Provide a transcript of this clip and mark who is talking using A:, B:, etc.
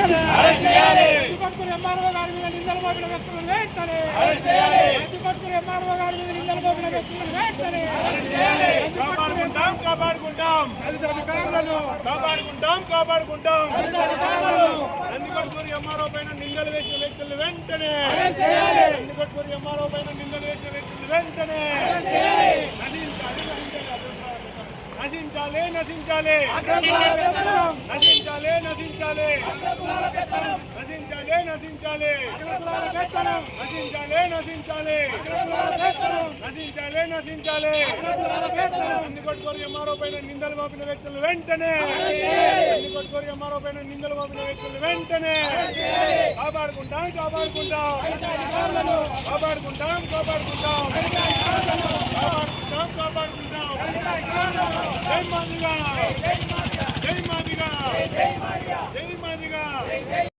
A: కాపాడుకుంటాం Nandikotkur MRO పైన నిందలు వేసిన వ్యక్తులు వెంటనే నందికొట్కూరు ఎంఆర్ఓ పైన నిందలు వేసిన వ్యక్తులు వెంటనే నశించాలి నశించాలి నశించాలి నశించాలి నశించాలి నశించాలి నశించాలి నశించాలి నశించాలి నశించాలి నందికొట్కూరు ఎంఆర్ఓ పైన నిందలు మోపిన వ్యక్తులు వెంటనే నందికొట్కూరు ఎంఆర్ఓ పైన నిందలు మోపిన వ్యక్తులు వెంటనే కాపాడుకుంటాం కాపాడుకుంటాం కాపాడుకుంటాం కాపాడుకుంటాం కాపాడుకుంటాం కాపాడుకుంటాం జై మాదిగా జై మాదిగా జై మాదిగా